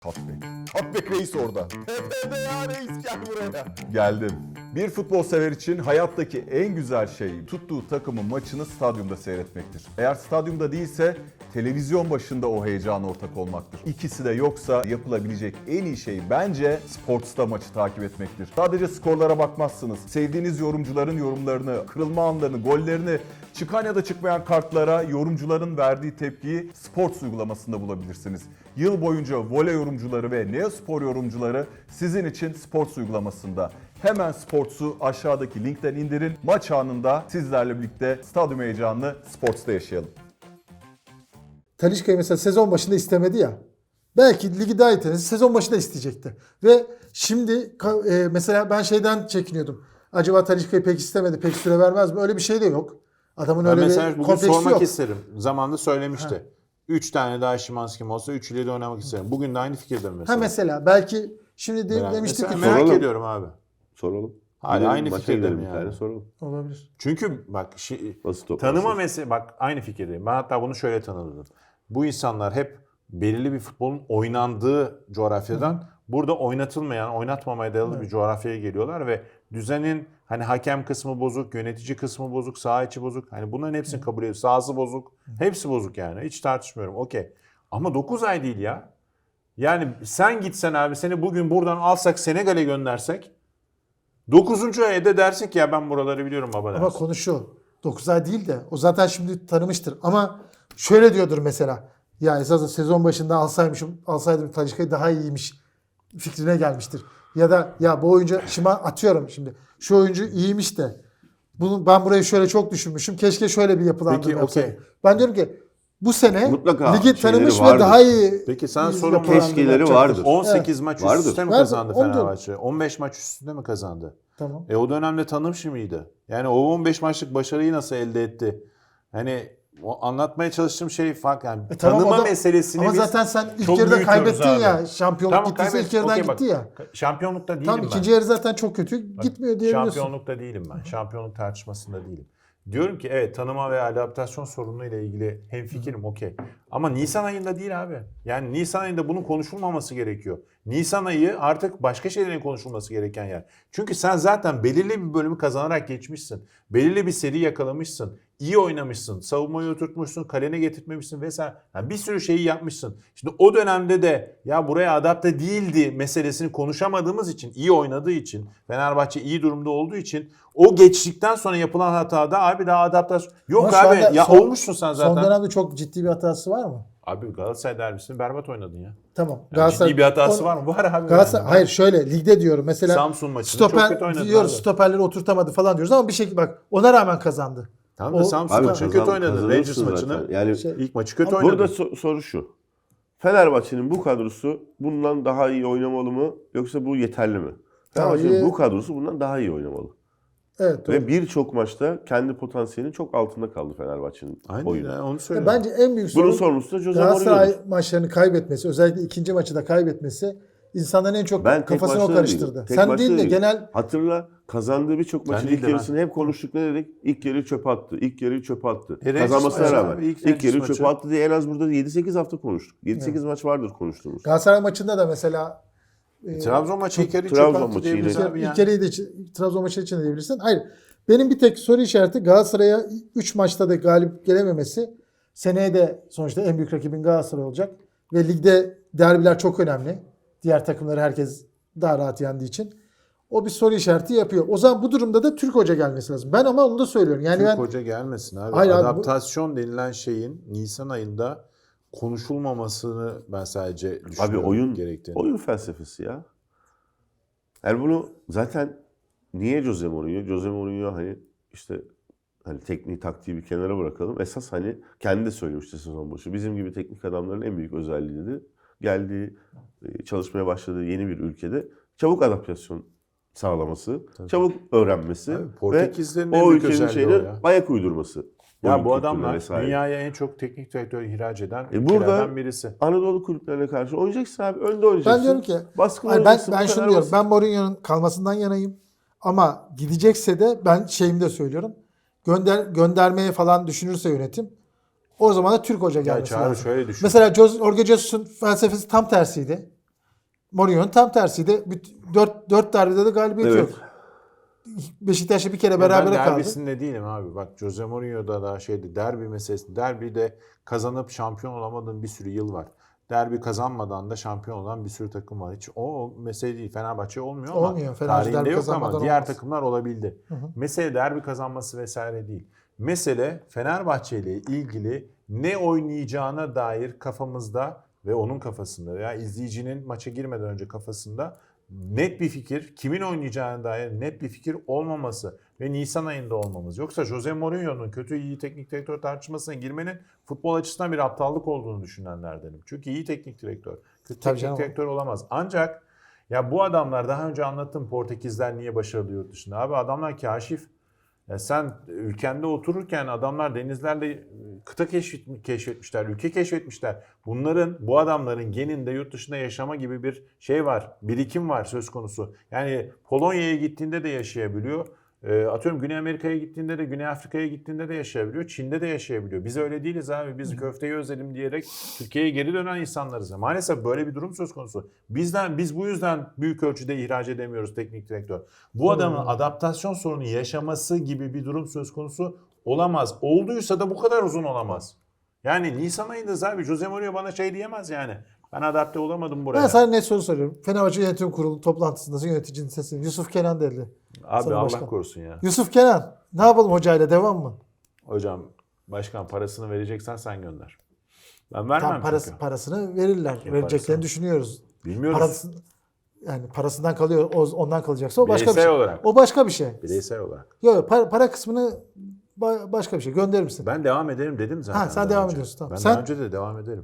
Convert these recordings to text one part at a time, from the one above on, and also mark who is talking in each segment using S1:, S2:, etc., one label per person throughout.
S1: Cutback reis orada. Tepede ya reis, gel buraya. Geldim. Bir futbol sever için hayattaki en güzel şey tuttuğu takımın maçını stadyumda seyretmektir. Eğer stadyumda değilse televizyon başında o heyecana ortak olmaktır. İkisi de yoksa yapılabilecek en iyi şey bence Sports'ta maçı takip etmektir. Sadece skorlara bakmazsınız. Sevdiğiniz yorumcuların yorumlarını, kırılma anlarını, gollerini, çıkan ya da çıkmayan kartlara yorumcuların verdiği tepkiyi Sports uygulamasında bulabilirsiniz. Yıl boyunca voley yorumcuları ve Neospor yorumcuları sizin için Sports uygulamasında. Hemen Sports'u aşağıdaki linkten indirin. Maç anında sizlerle birlikte stadyum heyecanını Sports'ta yaşayalım.
S2: Talisca'yı mesela sezon başında istemedi ya. Belki ligi daha iyi tanesi sezon başında isteyecekti. Ve şimdi mesela ben şeyden çekiniyordum. Acaba Talisca'yı pek istemedi, pek süre vermez mi? Öyle bir şey de yok. Adamın
S3: Ben
S2: öyle
S3: mesela
S2: bir
S3: bugün
S2: kompleksi
S3: sormak
S2: yok.
S3: isterim. Zamanında söylemişti. 3 tane daha Szymański'm olsa 3'üyle de oynamak isterim. Bugün de aynı fikirdim mesela.
S2: Ha mesela belki şimdi
S3: Yani
S2: demiştik ki
S3: mesela merak
S4: soralım.
S3: ediyorum abi.
S4: Soralım.
S3: Hala
S4: Gidelim,
S3: aynı
S4: maça
S3: fikirdeyim
S4: gidelim bir
S3: yani.
S4: tane soralım.
S2: olabilir.
S3: Çünkü bak
S4: Nasıl toplarsın?
S3: tanıma meselesi, bak aynı fikirdeyim. Ben hatta bunu şöyle tanımladım. Bu insanlar hep belirli bir futbolun oynandığı coğrafyadan burada oynatılmayan, oynatmamaya dayalı bir coğrafyaya geliyorlar ve düzenin hani hakem kısmı bozuk, yönetici kısmı bozuk, saha içi bozuk. Hani bunların hepsini kabul ediyor. Sahası bozuk. Hepsi bozuk yani. Hiç tartışmıyorum. Okey. Ama 9 ay değil ya. Yani sen gitsen abi, seni bugün buradan alsak Senegal'e göndersek 9. ayda dersin ki ya ben buraları biliyorum baba dersin.
S2: Ama konu şu. 9 ay değil de o zaten şimdi tanımıştır. Ama şöyle diyordur mesela. Ya esasında sezon başında alsaydım Talisca'yı daha iyiymiş fikrine gelmiştir. Ya da ya bu oyuncu atıyorum şimdi. Şu oyuncu iyiymiş de ben burayı şöyle çok düşünmüşüm. Keşke şöyle bir yapılandırma
S3: Peki,
S2: yapsaydım.
S3: okey.
S2: Ben diyorum ki bu sene
S4: Mutlaka
S2: ligi
S4: şeyleri
S2: tanımış ve
S4: vardır.
S2: daha iyi.
S3: Peki sana
S2: iyi
S3: sorun var.
S2: yapılandırma
S4: Keşkeleri
S2: yapacaktır.
S4: vardır.
S3: 18 maç üst
S4: Vardır.
S3: üste mi
S2: Vardır,
S3: kazandı
S2: onu diyorum.
S3: Fenerbahçe? 15 maç üst üste mi kazandı?
S2: Tamam.
S3: O dönemde tanımış mıydı? Yani o 15 maçlık başarıyı nasıl elde etti? Hani o anlatmaya çalıştığım şey farklı. Yani
S2: Tamam,
S3: tanıma
S2: o da-
S3: meselesini
S2: ama
S3: biz
S2: zaten sen ilk
S3: çok
S2: yarıda
S3: büyütüyoruz
S2: kaybettin
S3: abi.
S2: ya. Şampiyonluk
S3: Tamam,
S2: gittiyse
S3: kaybet.
S2: ilk yarıdan
S3: Okey, bak,
S2: gitti ya.
S3: şampiyonlukta değilim
S2: Tam
S3: ben.
S2: ikinci yarı zaten çok kötü. Gitmiyor diyebiliyorsun.
S3: Şampiyonlukta değilim ben. Şampiyonluk tartışmasında değilim. Diyorum ki evet, tanıma ve adaptasyon sorunuyla ilgili hemfikirim, okey. Ama Nisan ayında değil abi. Yani Nisan ayında bunun konuşulmaması gerekiyor. Nisan ayı artık başka şeylerin konuşulması gereken yer. Çünkü sen zaten belirli bir bölümü kazanarak geçmişsin. Belirli bir seri yakalamışsın. İyi oynamışsın. Savunmayı oturtmuşsun. Kalene getirtmemişsin vesaire. Yani bir sürü şeyi yapmışsın. Şimdi o dönemde de ya buraya adapte değildi meselesini konuşamadığımız için, iyi oynadığı için, Fenerbahçe iyi durumda olduğu için o geçtikten sonra yapılan hatada abi daha adaptasyon yok
S2: Ama şu
S3: abi.
S2: anda
S3: Ya olmuşsun sen zaten.
S2: Son dönemde çok ciddi bir hatası var mı?
S3: Abi Galatasaray derbisini berbat oynadın ya.
S2: Tamam.
S3: Yani ciddi bir hatası var mı? Var abi.
S2: Galatasaray,
S3: Yani.
S2: hayır şöyle ligde diyorum mesela
S3: Samsun maçında çok kötü
S2: stoper
S3: oynadı
S2: diyoruz,
S3: abi.
S2: stoperleri oturtamadı falan diyoruz ama bir şekilde bak ona rağmen kazandı.
S3: Tamam da
S2: O-
S3: Samsun
S2: Abi
S3: maçını kötü oynadı.
S4: kazanırsın
S3: Rangers
S4: zaten.
S3: maçını.
S4: Yani
S3: İlk maçı kötü
S2: Ama
S3: oynadı.
S4: burada soru şu. Fenerbahçe'nin bu kadrosu bundan daha iyi oynamalı mı yoksa bu yeterli mi? Fenerbahçe'nin bu kadrosu bundan daha iyi oynamalı.
S2: Evet. Doğru.
S4: Ve birçok maçta kendi potansiyelinin çok altında kaldı Fenerbahçe'nin
S3: Aynen
S4: oyunu.
S3: ya, onu söylüyorum.
S2: Bence en büyük
S4: Bunun
S2: sorun
S4: sorumlusu da Jose
S2: Galatasaray
S4: Mourinho'dur.
S2: maçlarını kaybetmesi, özellikle ikinci maçı da kaybetmesi insanların en çok
S4: Ben tek
S2: kafasını o
S4: maçta da
S2: karıştırdı.
S4: değilim. Tek
S2: Sen
S4: maçta
S2: değil de
S4: değilim.
S2: genel
S4: Hatırla, kazandığı birçok maçın
S3: değil
S4: ilk
S3: de ben.
S4: yarısını hep konuştuk, ne dedik? İlk yarıyı çöpe attı. İlk yarıyı çöpe attı.
S3: Rangers
S4: Kazanmasına
S3: maçı
S4: rağmen
S3: abi, ilk
S4: ilk
S3: Rangers
S4: yarıyı
S3: maçı.
S4: çöpe attı diye en az burada 7-8 hafta konuştuk. 7-8 maç vardır konuştuğumuz.
S2: Galatasaray maçında da mesela
S3: Trabzon maçı ilk yarı
S4: Trabzon
S3: çok attı
S4: maçı
S3: diyebiliriz
S4: yine.
S3: abi ya.
S2: ilk yarıyı da Trabzon maçı için de diyebilirsin. Hayır. Benim bir tek soru işareti Galatasaray'a 3 maçta da galip gelememesi. Seneye de sonuçta en büyük rakibin Galatasaray olacak. Ve ligde derbiler çok önemli. Diğer takımları herkes daha rahat yendiği için. O bir soru işareti yapıyor. O zaman bu durumda da Türk hoca gelmesi lazım. Ben ama onu da söylüyorum. Yani
S3: Türk
S2: ben
S3: hoca gelmesin abi.
S2: Hayır abi, bu-
S3: Adaptasyon denilen şeyin Nisan ayında konuşulmamasını ben sadece
S4: Abi
S3: düşünüyorum gerektiğini.
S4: oyun felsefesi ya. Yani bunu zaten niye Jose Mourinho? Jose Mourinho hani işte hani tekniği taktiği bir kenara bırakalım. Esas hani kendi de söylemişti sezon başı. Bizim gibi teknik adamların en büyük özelliği dedi. Geldiği, çalışmaya başladığı yeni bir ülkede çabuk adaptasyon sağlaması, çabuk öğrenmesi
S3: Abi,
S4: ve
S3: Portekizlerin en
S4: o
S3: büyük
S4: ülkenin
S3: özelliği o
S4: şeyine
S3: ya.
S4: ayak uydurması.
S3: Ya
S4: Oyun
S3: bu
S4: kültürüne
S3: adamlar
S4: vesaire.
S3: dünyaya en çok teknik direktör ihraç eden
S4: Burada
S3: ülkelerden birisi.
S4: Anadolu kulüplerine karşı oynayacaksın abi. Önde oynayacaksın.
S2: ben diyorum ki
S4: Baskın
S2: hayır,
S4: oynayacaksın.
S2: ben
S4: bu
S2: şunu
S4: kadar
S2: diyorum.
S4: basit.
S2: Ben Mourinho'nun kalmasından yanayım. Ama gidecekse de ben şeyimi de söylüyorum. Göndermeye falan düşünürse yönetim o zaman da Türk hoca
S3: Ya
S2: gelmesi
S3: Çağrı
S2: lazım.
S3: şöyle düşün.
S2: Mesela Jorge Jesus'un felsefesi tam tersiydi. Mourinho'nun tam tersiydi. 4 derbide de galibiyet
S4: Evet.
S2: yok. Beşiktaş'la bir kere
S3: Ben
S2: berabere kaldı.
S3: derbisinde değilim abi. Bak Jose Mourinho'da da derbi meselesi. Derbide kazanıp şampiyon olamadığın bir sürü yıl var. Derbi kazanmadan da şampiyon olan bir sürü takım var. Hiç o mesele değil. Fenerbahçe olmuyor ama
S2: Olmuyor. Fenerbahçe
S3: tarihinde
S2: derbi
S3: yok ama
S2: kazanmadan
S3: diğer
S2: olmaz.
S3: takımlar olabildi. Mesele derbi kazanması vesaire değil. Mesele Fenerbahçe ile ilgili ne oynayacağına dair kafamızda ve onun kafasında veya izleyicinin maça girmeden önce kafasında net bir fikir, kimin oynayacağına dair net bir fikir olmaması ve Nisan ayında olmamız. Yoksa Jose Mourinho'nun kötü iyi teknik direktör tartışmasına girmenin futbol açısından bir aptallık olduğunu düşünenlerdenim. Çünkü iyi teknik direktör, kötü
S2: Tabii
S3: teknik
S2: canım.
S3: direktör olamaz. Ancak ya bu adamlar daha önce anlattım Portekizler niye başarılı yurt dışında. Abi adamlar kaşif. Ya sen ülkende otururken adamlar denizlerle kıta keşfetmişler, ülke keşfetmişler. Bu adamların geninde yurt dışında yaşama gibi bir şey var, birikim var söz konusu. Yani Polonya'ya gittiğinde de yaşayabiliyor. Atıyorum Güney Amerika'ya gittiğinde de, Güney Afrika'ya gittiğinde de yaşayabiliyor. Çin'de de yaşayabiliyor. Biz öyle değiliz abi. Biz köfteyi özledim diyerek Türkiye'ye geri dönen insanlarız. Maalesef böyle bir durum söz konusu. Biz bu yüzden büyük ölçüde ihraç edemiyoruz teknik direktör. Bu adamın adaptasyon sorunu yaşaması gibi bir durum söz konusu olamaz. Olduysa da bu kadar uzun olamaz. Yani Nisan ayında abi Jose Mourinho bana şey diyemez yani. Ben adapte olamadım buraya.
S2: Ben sana net soru soruyorum. Fenerbahçe Yönetim Kurulu toplantısında yöneticinin sesini Yusuf Kenan dedi.
S3: Abi
S2: Sana
S3: Allah
S2: başkan.
S3: korusun ya.
S2: Yusuf Kenan ne yapalım hocayla devam mı?
S3: Hocam başkan parasını vereceksen sen gönder. Ben vermem
S2: Tam
S3: çünkü.
S2: parasını verirler. Vereceklerini
S3: parasını.
S2: düşünüyoruz.
S3: Bilmiyoruz.
S2: Yani parasından kalıyor, ondan kalacaksa o başka bir
S3: Bireysel
S2: şey.
S3: olarak.
S2: O başka bir şey.
S3: Bireysel olarak.
S2: Yok para kısmını başka bir şey. Gönderir misin?
S3: Ben devam ederim dedim zaten.
S2: Ha, sen
S3: daha
S2: devam
S3: önce.
S2: ediyorsun, tamam.
S3: Ben
S2: Sen-
S3: daha önce de devam ederim.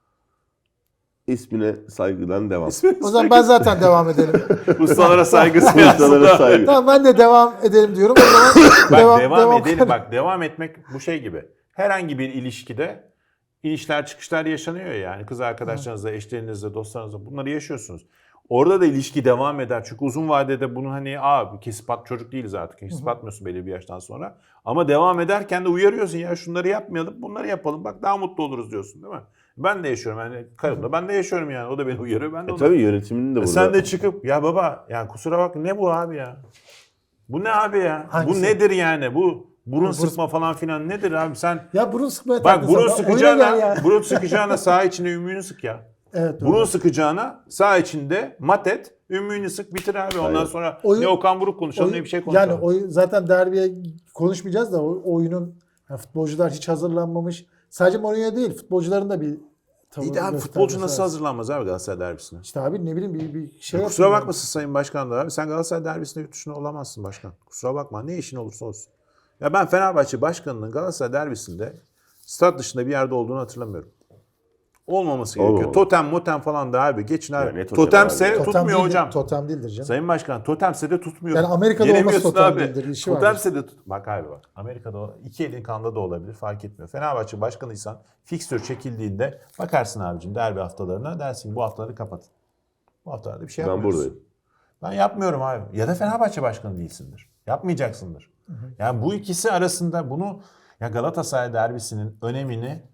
S4: İsmine saygıdan devam.
S2: O zaman ben zaten devam edelim.
S3: Ustalara saygısı
S4: Ustalara saygı.
S2: Tamam ben de devam edelim diyorum. O zaman
S3: Bak devam edelim. Bak devam etmek bu şey gibi. Herhangi bir ilişkide inişler çıkışlar yaşanıyor ya. Yani kız arkadaşlarınızla, eşlerinizle, dostlarınızla bunları yaşıyorsunuz. Orada da ilişki devam eder. Çünkü uzun vadede bunu hani kesip at çocuk değiliz artık. Kesip atmıyorsun belli bir yaştan sonra. Ama devam ederken de uyarıyorsun ya şunları yapmayalım, bunları yapalım. Bak daha mutlu oluruz diyorsun değil mi? Ben de yaşıyorum yani karımla. Ben de yaşıyorum yani. O da beni uyarıyor. Ben de onu.
S4: Tabii yönetiminin de burada.
S3: Sen de çıkıp ya baba yani kusura bak ne bu abi ya? Bu ne abi ya?
S2: Hangisi?
S3: Bu nedir yani? Bu burun sıkma falan filan nedir abi sen?
S2: Ya burun sıkmaya
S3: Bak
S2: taktın
S3: burun
S2: sen. Oyuna gel ya.
S3: sıkacağına saha içinde ümüğünü sık ya.
S2: Evet, doğru.
S3: Burun sıkacağına saha içinde mat et, ümüğünü sık bitir abi. Ondan
S4: Aynen.
S3: sonra
S2: Oyun-
S3: ne Okan Buruk konuşalım ne bir şey konuşalım.
S2: Yani zaten derbiye konuşmayacağız da oyunun yani futbolcular hiç hazırlanmamış. Sadece Mourinho değil futbolcuların da bir tavır
S3: İyi de abi
S2: göstermesi
S3: futbolcu nasıl
S2: lazım.
S3: hazırlanmaz abi Galatasaray derbisine?
S2: İşte abi ne bileyim bir şey
S3: Kusura
S2: yapın
S3: bakmasın Sayın Başkan da abi. Sen Galatasaray derbisinde yurt dışında olamazsın başkan. Kusura bakma. Ne işin olursa olsun. Ya ben Fenerbahçe Başkanı'nın Galatasaray derbisinde stat dışında bir yerde olduğunu hatırlamıyorum. Olmaması gerekiyor.
S4: Olmamalı.
S3: Totem motem falan da abi. Geçin abi.
S4: Ya ne totem
S3: Totemse
S4: abi?
S2: Totem
S3: tutmuyor
S2: değildir,
S3: hocam.
S2: Totem değildir canım.
S3: Sayın Başkan totemse de tutmuyor.
S2: Yani Amerika'da
S3: Yenemiyorsun
S2: olması totem değildir, işi vardır.
S3: Totemse de bak abi bak. Amerika'da iki elin kanda da olabilir fark etmiyor. Fenerbahçe başkanıysan fikstür çekildiğinde bakarsın abicim derbi haftalarına dersin ki bu haftaları kapatın. Bu haftalarda bir şey
S4: Ben
S3: yapmıyoruz.
S4: buradayım.
S3: Ben yapmıyorum abi. Ya da Fenerbahçe başkanı değilsindir. Yapmayacaksındır. Yani bu ikisi arasında bunu ya Galatasaray derbisinin önemini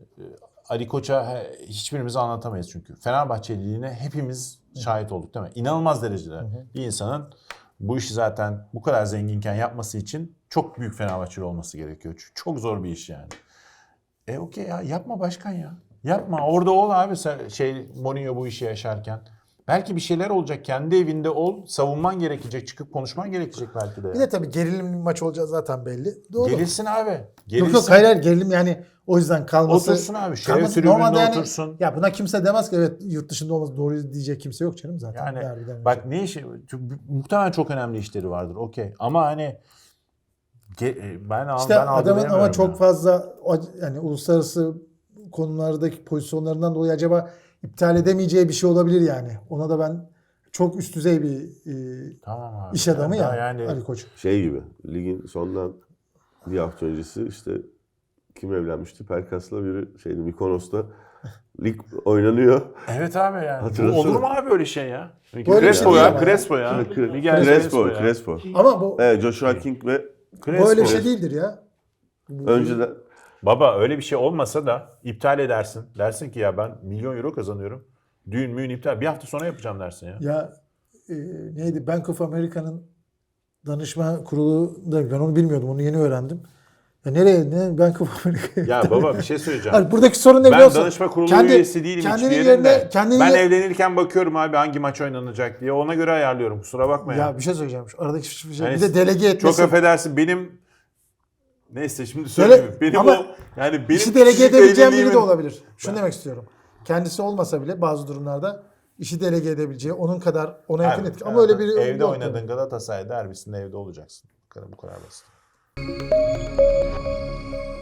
S3: Ali Koç'a hiçbirimiz anlatamayız çünkü. Fenerbahçeliliğine hepimiz şahit olduk değil mi? İnanılmaz derecede bir insanın bu işi zaten bu kadar zenginken yapması için çok büyük Fenerbahçeli olması gerekiyor. Çünkü çok zor bir iş yani. Okey ya yapma başkan ya. Yapma. Orada ol abi Mourinho bu işi yaşarken. Belki bir şeyler olacak. Kendi evinde ol. Savunman gerekecek. Çıkıp konuşman gerekecek belki de.
S2: Bir de tabii gerilimli bir maç olacağı zaten belli. Doğru.
S3: Gerilsin abi.
S2: Yok
S3: Gerilsin.
S2: yok hayır gerilim yani o yüzden kalması.
S3: Otursun abi. Şeref
S2: kalması-
S3: tribünde
S2: normalde yani-
S3: otursun.
S2: Ya buna kimse demez ki evet yurt dışında olması doğru diyecek kimse yok canım zaten.
S3: Yani
S2: derbiden önce.
S3: bak ne işi muhtemelen çok önemli işleri vardır. Okey. Ama hani ben
S2: İşte adamın ama
S3: algılayamıyorum
S2: çok
S3: ya.
S2: fazla yani uluslararası konulardaki pozisyonlarından dolayı acaba iptal edemeyeceği bir şey olabilir yani. Ona da ben çok üst düzey bir
S3: Tamam abi.
S2: iş adamı
S3: Daha
S2: ya Ali Koç.
S4: Şey gibi ligin sondan bir hafta öncesi işte kim evlenmişti? Pelkas'la biri şeydi Mikonos'ta lig oynanıyor.
S3: Evet abi yani. Bu
S4: Hatırlasana.
S3: olur mu abi öyle şey ya?
S2: Böyle
S3: Crespo
S2: bir şey
S3: ya.
S2: değil ama.
S3: Crespo ya. Miguel
S4: Crespo.
S2: Ama bu
S4: Evet, Joshua King ve
S2: böyle bir şey değildir ya.
S4: önceden
S3: Baba öyle bir şey olmasa da iptal edersin. Dersin ki ya ben milyon euro kazanıyorum. Düğün müğün iptal. Bir hafta sonra yapacağım dersin ya.
S2: Ya neydi? Bank of America'nın danışma kurulu da ben onu bilmiyordum. Onu yeni öğrendim. Ya nereye? Bank of America.
S3: Ya baba bir şey söyleyeceğim.
S2: Hayır, buradaki sorun ne biliyor
S3: Ben
S2: musun?
S3: danışma kurulu üyesi değilim hiçbir
S2: kendinin
S3: yerinde.
S2: yerine- kendinin
S3: Ben
S2: ye-
S3: evlenirken bakıyorum abi hangi maç oynanacak diye. Ona göre ayarlıyorum. Kusura bakma ya.
S2: Ya bir şey söyleyeceğim. Şu aradaki bir şey.
S3: Yani
S2: Bir de delege etmesi.
S3: Çok affedersin benim neyse şimdi söyleyeyim. Benim
S2: ama
S3: o yani benim
S2: İşi delege
S3: kişilik
S2: edebileceğim biri de
S3: evliliğimin-
S2: olabilir. Şunu demek istiyorum. Kendisi olmasa bile bazı durumlarda işi delege edebileceği, onun kadar ona yakın etki. Ama öyle biri
S3: evde
S2: yok
S3: oynadığın
S2: tabii.
S3: Galatasaray derbisinde evde olacaksın. Bu kadar basit.